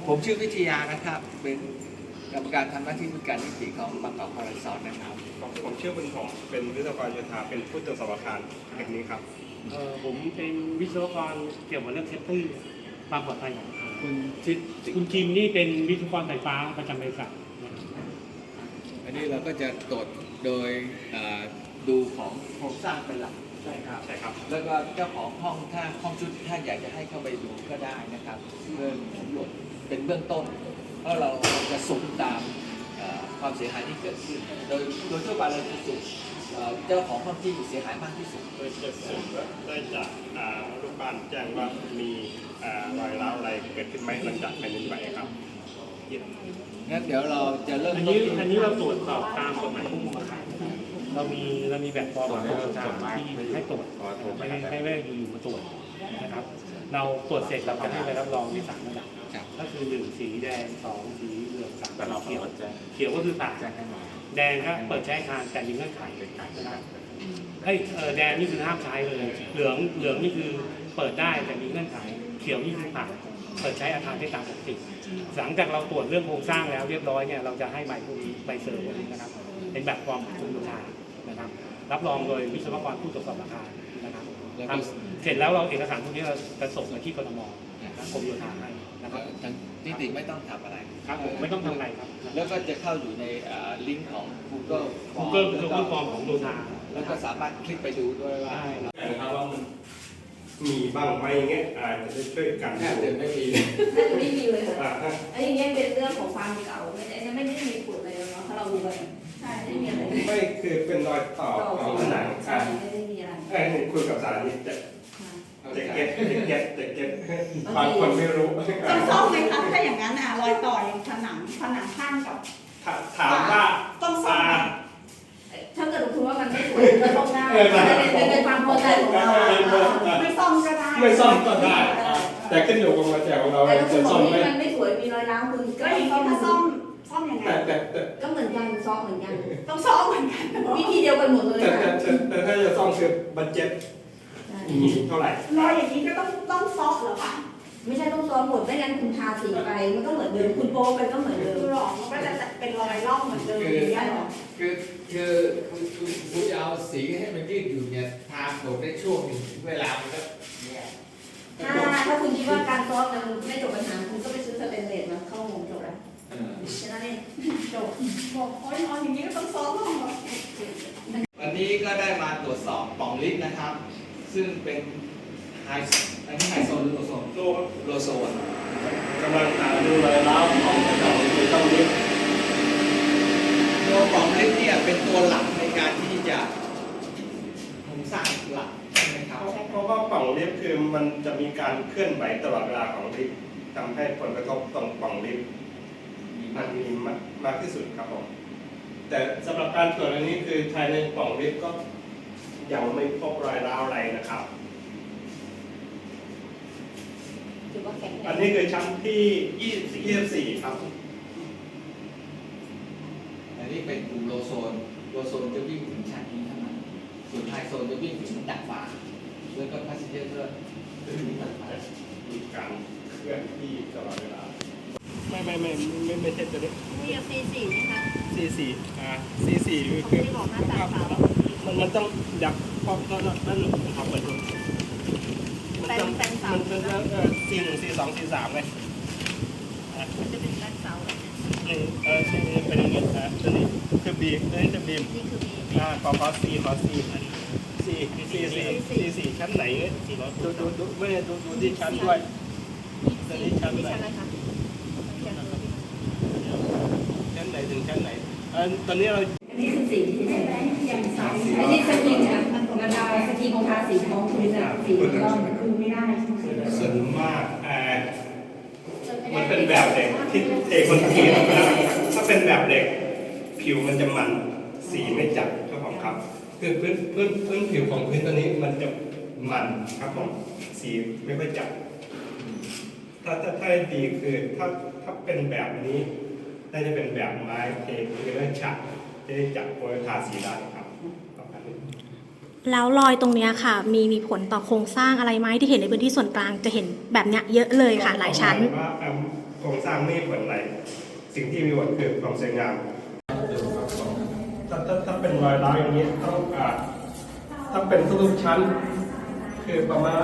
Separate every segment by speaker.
Speaker 1: ผมชื่อวิทยานะครับเป็นกรรมการทำหน้าที่ผู้การนิติของบางกอกพาราซอนนะครับ
Speaker 2: ผมชื่อบุญหอมเป็นวิศวกรโยธาเป็นผู้ตรวจสอบอาคารแห่งนี้ครับ
Speaker 3: ผมเป็นวิศวกรเกี่ยวกับเรื่องเซฟตี้ความปลอดภัยของคุณคิมนี่เป็นวิศวกรสายฟ้าประจำบริษัท
Speaker 1: อันนี้เราก็จะตรวจโดยดูของโครงสร้างเป็นหลัก
Speaker 2: ใช่ครับ
Speaker 1: แล้วก็เจ้าของห้องถ้าห้องชุดถ้าอยากจะให้เข้าไปดูก็ได้นะครับเพื่อสำรวจเป็นเบื้องต้นเพราะเราจะสุ่มตามความเสียหายที่เกิดขึ้นโดยทั่วไปเราจะสุ่มเจ้าของห้องที่เสียหายมากที่สุด
Speaker 2: โดยจะสุ่มได้จากลูกบ้านแจ้งว่ามีรอยร้าวอะไรเกิดขึ้นไหมหลังจากแผ่นดินไหวครับ
Speaker 1: งั้นเดี๋ยวเราจะเริ่ม
Speaker 3: อันนี้เราตรวจสอบตามกฎหมายควบคุมอาคารเรามีแบบฟอร์มของทางที่ให้ตรวจไม่อยู่มาตรวจนะครับเราตรวจเสร็จเราจะให้ไปรับรองใน3ระดับก็คือ1สีแดง2สีเหลือง3เขียวก็คือผ่านแดงก็เปิดใช้อาคารแต่มีเงื่อนไขนะครับแดงนี่คือห้ามใช้เลยเหลืองนี่คือเปิดได้แต่มีเงื่อนไขเขียวนี่คือผ่านเปิดใช้อาคารได้ตามปกติหลังจากเราตรวจเรื่องโครงสร้างแล้วเรียบร้อยเนี่ยเราจะให้ใบพวกนี้ใบเซอร์พวกนี้นะครับเป็นแบบฟอร์มคุณโยธานะครับรับรองโดยวิศวกรผู้ตรวจสอบอาคารนะครับเสร็จแล้วเราเอกสารพวกนี้เราจะส่งไปที่กทมกรมโยธาให้นะครับ
Speaker 1: นิติไม่ต้องทำอะไร
Speaker 3: ครับผมไม่ต้องทำอะไรครับ
Speaker 1: แล้วก็จะเข้าอยู่ในลิงก์ของ Google
Speaker 3: คือฟอร์มของโยธา
Speaker 1: แล้วก็สามารถคลิกไปดูด้วยว่า
Speaker 2: นะครับว่ามันมีบ้างไหมเงี้ยอาจจะช่วยกัน
Speaker 1: แทบจะไม่มี
Speaker 4: ไม่มีเลยค่ะไอ้อย่างเงี้ยเป็นเรื่องของความเก่าไม่ได้มีผลอะไรเนาะถ้าเราดูไปใช่ไม่มีอะไร
Speaker 2: ไม่คือเป็นรอยต่อของผนัง
Speaker 4: ไม่ได้มีอะไร
Speaker 2: นี่คุยกับสารนี่จะเก็ตบางคนไม่รู้
Speaker 5: ต้องซ่อมไหมคะถ้าอย่างนั้นรอยต่ออย่างผนังข้างกับ
Speaker 2: ถามว่า
Speaker 5: ต้องซ่อม
Speaker 4: ถ้าเกิดคุณว่ามันไม่สวยก็ต้องได้เป็นความพอใจของเรา
Speaker 5: ไม่ซ่อมก็ได้
Speaker 2: ไม่ซ่อมก็ได้แต่ขึ้นอยู่กับมาแจกของเรา
Speaker 4: จะซ่อมไหมมันไม่สวยมีรอยร้าวคุณ
Speaker 5: ก็อย่างนี้ถ้าซ่อมยังไง
Speaker 4: ก็เหมือนกันซ่อมเหมือนกัน
Speaker 5: ต้องซ่อมเหมือนกัน
Speaker 4: วิธีเดียวกันหมดเลย
Speaker 2: แต่ถ้าจะซ่อมคือบัดเจ็ตมีเท่าไหร่
Speaker 5: รอยอย่างนี้ก็ต้องซ่อมเหรอคะ
Speaker 4: ไม่ใช่ต้องซ้อมหมดไม่งั้นคุณทาสีไปมันก็เหมือนเดิมคุณโป๊ไปก็เหมือนเดิม
Speaker 5: หลอกมันก็จะเป็นรอยร่องเหมือนเดิมอย่างเงี้ยหรอ
Speaker 1: คือคุณจะเอาสีให้มันยืดอยู่เนี่ยทาหมดได้ช่วงหนึ่งเวลามันก็
Speaker 4: ถ้าคุณคิดว่าการซ้อมมันไม่จบปัญหาคุณก็ไปซื้อสเตนเลสมาเข้าวงจบแล้วแค่นั้นเอง
Speaker 5: จบบอกอย่างนี้ก็ต้องซ้อมหรอ
Speaker 1: วันนี้ก็ได้มาตรวจสอบปล่องลิฟต์นะครับซึ่งเป็นอันนี้ไฮโซนหรือโลโซนโลโซน
Speaker 2: กำลังหาดูรอยร้าวของกระจกในช่องลิฟต์
Speaker 1: ตัวปล่องลิฟต์เนี่ยเป็นตัวหลักในการที่จะโครงสร้างหลักใช่ไหมครับ
Speaker 2: เพราะว่าปล่องลิฟต์คือมันจะมีการเคลื่อนไหวตลอดเวลาของลิฟต์ทำให้ผลกระทบตรงปล่องลิฟต์มันมีมากที่สุดครับผมแต่สำหรับการตรวจอันนี้คือภายในปล่องลิฟต์ก็ยังไม่พบรอยร้าวอะไรนะครับอันนี้คือชั้นที่24ครับ
Speaker 1: อันนี้เป็นกลุ่มโลโซนจะวิ่งถึงชั้นนี้เท่านั้นส่วนไฮโซนจะวิ่งถึงดาดฟ้าแล้วก็พาสเซนเจอร์ก็ถึงดาดฟ้า
Speaker 2: มีการเคลื่อนที่ตลอดเวลาไม่ใช่ตัวนี้
Speaker 4: มีC4ไหมคะ
Speaker 2: C4C4คือมันต้องดักพอกนั่นทำเปิดดูมันเป็นC1 C2 C3เลย
Speaker 4: มันจะเป็นแบงเสา
Speaker 2: เป็นอย่างนี้ตัวนี้คือบีมตัวนี้จะบีม
Speaker 4: นี่คือบีม
Speaker 2: ขอ C4 ชั้นไหนดูไม่ดูที่ชั้นด้วยตัวนี้ชั้นไหนชั้นไหนถึงชั้นไหนตอนนี้เรา
Speaker 4: อันนี้คือสีอันนี้สกีนะระดาสกีของทาสีทองคือสีร่องคือไม่ได้
Speaker 2: ส่วนมากมันเป็นแบบเหล็กที่เทคนทีถ้าเป็นแบบเหล็กผิวมันจะมันสีไม่จัดครับผมครับคือพื้นผิวของพื้นตัวนี้มันจะมันครับผมสีไม่ค่อยจัดถ้าดีคือถ้าเป็นแบบนี้น่าจะเป็นแบบไม้เทคือได้ฉากจะได้จับโพลทาสีได้ครับประมาณนี้
Speaker 6: แล้วรอยตรงเนี้ยค่ะ มีผลต่อโครงสร้างอะไรไหมที่เห็นในพื้นที่ส่วนกลางจะเห็นแบบเนี้ยเยอะเลยค่ะ หลายชั้น
Speaker 2: ว่าโครงสร้างไม่ผลอะไรสิ่งที่มีผลคือความสวยงามถ้าเป็นรอยร้าวอย่างนี้ต้องเป็นทุกๆชั้น คือประมาณ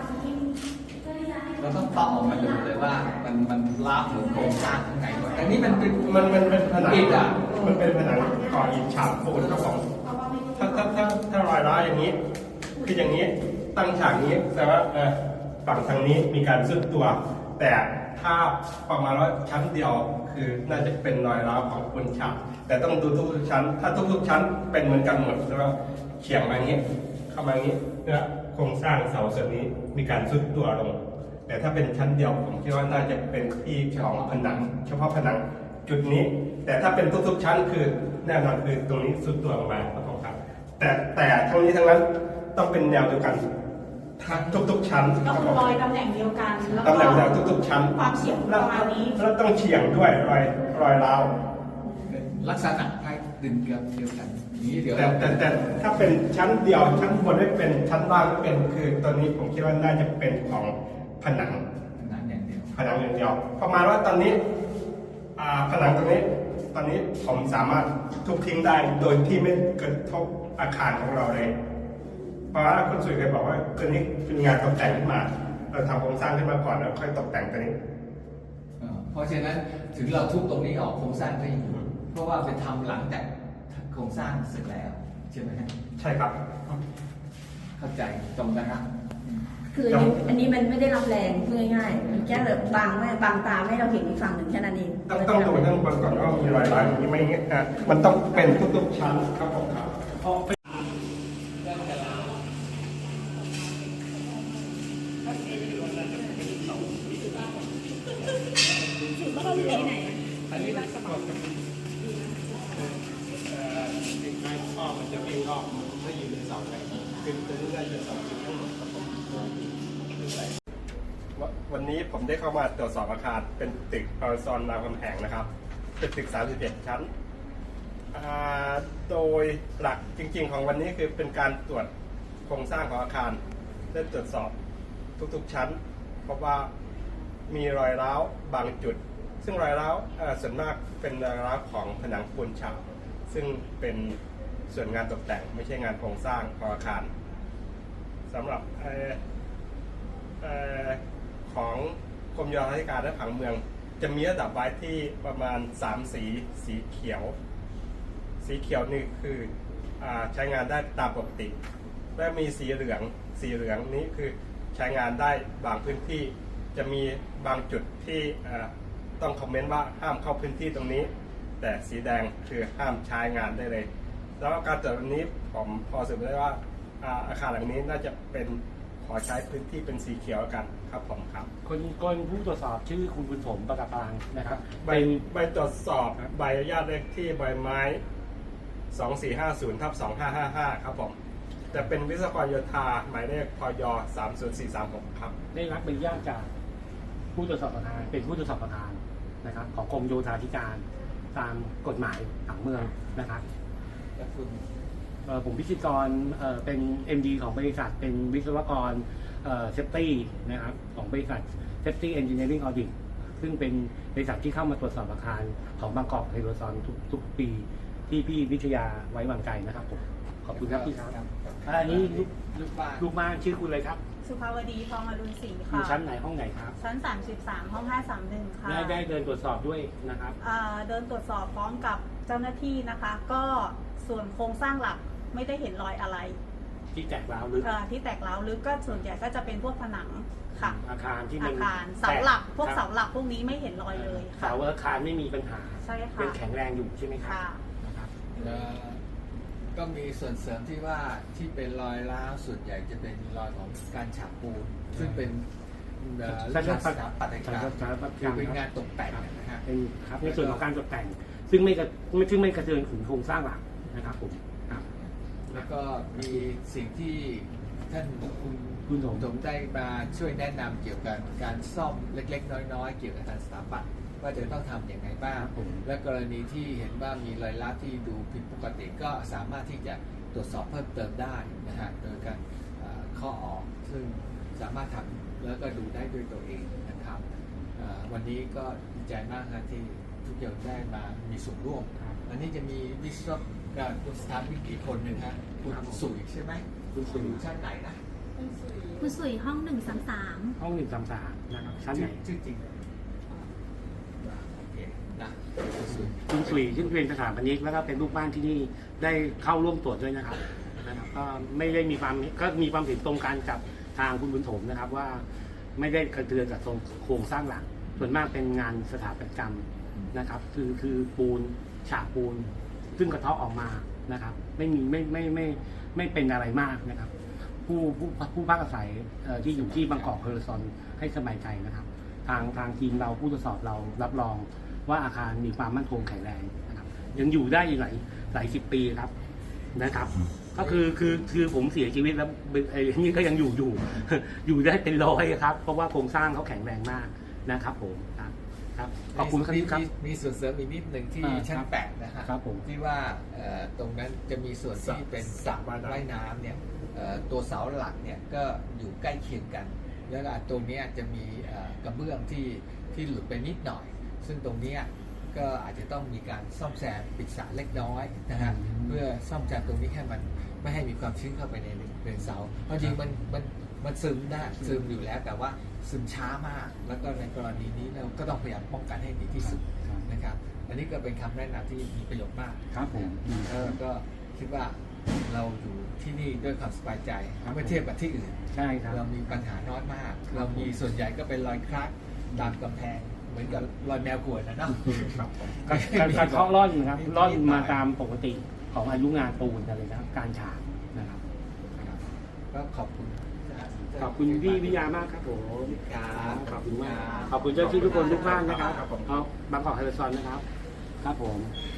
Speaker 1: เราต้องตอบออกมาดูเลยว่ามันลากถึงโครงสร้างข้างในก่อนแต่นี่มันเป็น
Speaker 2: มันเป็นผนัง
Speaker 1: อิฐอ่ะ
Speaker 2: มันเป็นผนังก่ออิฐฉาบปูนครับผมถ้ารอยร้าวอย่างนี้ คืออย่างนี้ตั้งฉากนี้แสดงว่าฝั่งทางนี้มีการซุดตัว แต่ถ้าประมาณว่าชั้นเดียวคือน่าจะเป็นรอยร้าวของปูนฉาบแต่ต้องดูทุกๆชั้น ถ้าทุกๆชั้นเป็นเหมือนกันหมดใช่ไหมเฉียงมาอย่างนี้เข้ามาอย่างนี้เนี่ยโครงสร้างเสาส่วนนี้มีการซุดตัวลง แต่ถ้าเป็นชั้นเดียวผมคิดว่าน่าจะเป็นที่ของผนัง เฉพาะผนังจุดนี้ แต่ถ้าเป็นทุกๆชั้นคือแน่นอนคือตรงนี้ซุดตัวลงมาครับผมครับแต่ทั้งนี้ทั้งนั้นต้องเป็นแนวเดียวกันทุกๆชั้น
Speaker 5: ก็คือรอยตำแหน่งเดียวกันแล้ว
Speaker 2: ตำแหน่ง
Speaker 5: ก็
Speaker 2: เดียวทุกๆชั้น
Speaker 5: ความเฉียงประมาณนี้
Speaker 2: แล้วต้องเฉียงด้วยรอยร้าว
Speaker 1: ลักษณะคล้ายดึงเดียวกันอย่างนี้เดี๋ยว
Speaker 2: แต่ถ้าเป็นชั้นเดียวชั้นบนไม่เป็นชั้นล่างไม่เป็นคือตอนนี้ผมคิดว่าน่าจะเป็นของผนัง
Speaker 1: หนังอย่างเดียว
Speaker 2: ผนังอย่างเดียวประมาณว่าตอนนี้ผนังตรงนี้ตอนนี้ผมสามารถทุบทิ้งได้โดยที่ไม่กระทบอาคารของเราเลยเพราะว่าคุณสุยเคยบอกว่าตัวนี้เป็นงานตกแต่งขึ้นมาเราทำโครงสร้างขึ้นมาก่อนแล้วค่อยตกแต่งตัวนี้
Speaker 1: เพราะฉะนั้นถึงเราทุบตรงนี้ออกโครงสร้างก็ยังอยู่เพราะว่าไปทำหลังจากโครงสร้างเสร็จแล้วใช่ไหมฮะ
Speaker 2: ใช่ครับ
Speaker 1: เข้าใจตรงนะครับ
Speaker 4: คืออันนี้มันไม่ได้รับแรงพูดง่ายๆมันแค่แบบบางตาไม่ให้เราเห็นอีกฝั่งหนึ่งแค่นั้นเอง
Speaker 2: ต้องดูทั้งบนก่อนว่ามีรอยร้าวอย่างนี้ไหมเงี้ยมันต้องเป็นทุกๆชั้นครับผมครับ
Speaker 3: อันนี้ลักษณะข้อมันจะวิ่งรอบถ้าอยู่ในเสาไหนคือจะได้เป็นเสาจุดทั้งหมดครับผม
Speaker 2: วันนี้ผมได้เข้ามาตรวจสอบอาคารเป็นตึกพารซอนรามคำแหงนะครับเป็นตึก31ชั้นโดยหลักจริงๆของวันนี้คือเป็นการตรวจโครงสร้างของอาคารและตรวจสอบทุกๆชั้นเพราะว่ามีรอยร้าวบางจุดซึ่งรอยร้าวส่วนมากเป็นรอยร้าวของผนังปูนฉาบซึ่งเป็นส่วนงานตกแต่งไม่ใช่งานโครงสร้างของอาคารสำหรับของกรมโยธาธิการและผังเมืองจะมีระดับไว้ที่ประมาณ3สีเขียวนี่คือใช้งานได้ตามปกติและมีสีเหลืองนี้คือใช้งานได้บางพื้นที่จะมีบางจุดที่ต้องคอมเมนต์ว่าห้ามเข้าพื้นที่ตรงนี้แต่สีแดงคือห้ามใช้งานได้เลยแล้วการตรวจวันนี้ผมพอสรุปได้ว่าอาคารหลังนี้น่าจะเป็นขอใช้พื้นที่เป็นสีเขียวกันครับผมครับ
Speaker 3: คนผู้ตรวจสอบชื่อคุณบุญถมประกาศางนะครับ
Speaker 2: ใบตรวจสอบใบอนุญาตเลขที่ใบไม้ 2450/2555 ครับผมแต่เป็นวิศวกรโยธาหมายเลขพย30436ครับ
Speaker 3: ได้รับใบอนุญาตจากผู้ตรวจสอบประธานเป็นผู้ตรวจสอบประธานนะครับของกรมโยธาธิการตามกฎหมายผังเมืองนะครับ
Speaker 1: แล้วคุณ
Speaker 3: ผมพิชิตกรเป็น MD ของบริษัทเป็นวิศวกรเซฟตี้นะครับของบริษัท Safety Engineering Audit ซึ่งเป็นบริษัทที่เข้ามาตรวจสอบอาคารของบางกอกไฮโดรซอนทุกปีที่พี่วิทยาไว้วางใจนะครับผมขอบคุณครับพี่ครับอันนี้ลูกบ้านชื่อคุณอะไรครับ
Speaker 5: สุภาวดีทองอรุณศรี
Speaker 3: อยู่
Speaker 5: ค่ะ
Speaker 3: ชั้นไหนห้องไหนครับ
Speaker 5: ชั้น 33 ห้อง 531 ค่ะ
Speaker 3: ได้เดินตรวจสอบด้วยนะครับ
Speaker 5: เดินตรวจสอบพร้อมกับเจ้าหน้าที่นะคะ ก็ส่วนโครงสร้างหลักไม่ได้เห็นรอยอะไร
Speaker 3: ที่แตกร้าวลึก
Speaker 5: ที่แตกร้าวลึกก็ส่วนใหญ่ก็จะเป็นพวกผนังค่ะ
Speaker 3: อาคารที่
Speaker 5: อา
Speaker 3: มัน
Speaker 5: คารเสาหลักพวก
Speaker 3: ครับ
Speaker 5: เสาหลักพวกนี้ไม่เห็นรอยเลยค่ะ
Speaker 3: เสาอาคารไม่มีปัญหา
Speaker 5: ใช่ค่ะ
Speaker 3: เป็นแข็งแรงอยู่ใช่ไหมครับ
Speaker 5: ค่ะ
Speaker 3: นะครับ
Speaker 1: ก็มีส่วนเสริมที่ว่าที่เป็นรอยร้าวส่วนใหญ่จะเป็นรอยของการฉาบปูนซึ่งเป็นลักษณะสถาปัตยกรรมคือเป็นงานตกแต่งนะฮะ
Speaker 3: เป็นครับในส่วนของการตกแต่งซึ่งไม่กระเทือนถึงโครงสร้างหลักนะครับผมครับ
Speaker 1: แล้วก็มีสิ่งที่ท่านคุณ
Speaker 3: คุณสม
Speaker 1: ผมได้มาช่วยแนะนำเกี่ยวกับการซ่อมเล็กๆ น้อยๆ เกี่ยวกับทางสถาปัตย์ว่าจะต้องทำอย่างไรบ้าง และกรณีที่เห็นว่ามีรอยร้าวที่ดูผิดปกติก็สามารถที่จะตตรวจสอบเพิ่มเติมได้นะฮะโดยการข้อออกซึ่งสามารถทำแล้วก็ดูได้ด้วยตัวเองนะครับวันนี้ก็ดีใจมากนะที่ทุกอย่างได้มามีส่วนร่วมอันนี้จะมีวิศวกรสถานวิทย์อีกคนหนึ่งฮะคุณสุยใช่ไหมคุณสุยอยู่ชั้นไหนนะ
Speaker 6: คุณสุยห้อง 133
Speaker 3: ห้อง133นะครับชั้นไหน
Speaker 1: ชื่อจริงโอเคนะคุณสุย
Speaker 3: คุณสุยซึ่งเป็นสถาปนิกแล้วก็เป็นลูกบ้านที่นี่ได้เข้าร่วมตรวจด้วยนะครับก็ไม่ได้มีความเห็นตรงกันกับทางคุณบุญถมนะครับว่าไม่ได้กระเทือนกับโครงสร้างหลักส่วนมากเป็นงานสถาปัตยกรรมนะครับคือปูนฉาบปูนซึ่งกระเทาะออกมานะครับไม่เป็นอะไรมากนะครับผู้พักอาศัยที่อยู่ที่บางกอกเฮอร์ซอนให้สบายใจนะครับทางทีมเราผู้ตรวจสอบเรารับรองว่าอาคารมีความมั่นคงแข็งแรงนะครับยังอยู่ได้หลายสิบปีครับนะครับก็คือผมเสียชีวิตแล้วนี่ก็ยังอยู่ อยู่ได้เป็นร้อยครับเพราะว่าโครงสร้างเขาแข็งแรงมากนะครับผมครับขอบคุณครับ
Speaker 1: มีส่วนเสริมอีกนิดหนึ่งที่ชั้น8นะฮะ
Speaker 3: ครับผม
Speaker 1: ที่ว่าตรงนั้นจะมีส่วนที่เป็นสระว่ายน้ำเนี่ยตัวเสาหลักเนี่ยก็อยู่ใกล้เคียงกัน แล้วตรงนี้จะมีกระเบื้องที่หลุดไปนิดหน่อย ซึ่งตรงนี้ก็อาจจะต้องมีการซ่อมแซมปิดสระเล็กน้อยนะฮะเพื่อซ่อมแซมตรงนี้ให้มันไม่ให้มีความชื้นเข้าไปในเสาเพราะจริงมันซึมได้ซึมอยู่แล้วแต่ว่าซึมช้ามาก แล้วก็ในกรณีนี้เราก็ต้องพยายามป้องกันให้ดีที่สุดนะครับอันนี้ก็เป็นคำแนะนำที่มีประโยชน์มาก
Speaker 3: ครับผม
Speaker 1: ก็คิดว่าเราอยู่ที่นี่ด้วยความสบายใจเมื่อเทียบกับที่อื่น
Speaker 3: ใช่ครับ
Speaker 1: เรามีปัญหาน้อยมาก เรามีส่วนใหญ่ก็เป็นรอยครากตามกำแพงเหมือนกับรอยแมวขวดนะเนาะ
Speaker 3: การเคาะร่อนนะครับร่อนมาตามปกติของอายุงานปูนอะไรนะครับการฉาบนะครับ
Speaker 1: ก็ขอบคุณ
Speaker 3: ขอบคุณพี่วิทยามากครับผม
Speaker 1: ครับ
Speaker 3: ขอบคุณมากขอบคุณเจ้าที่ทุกคนทุกท่านนะครับเอาบางกอกเฮอร์ซอนนะครับครับผม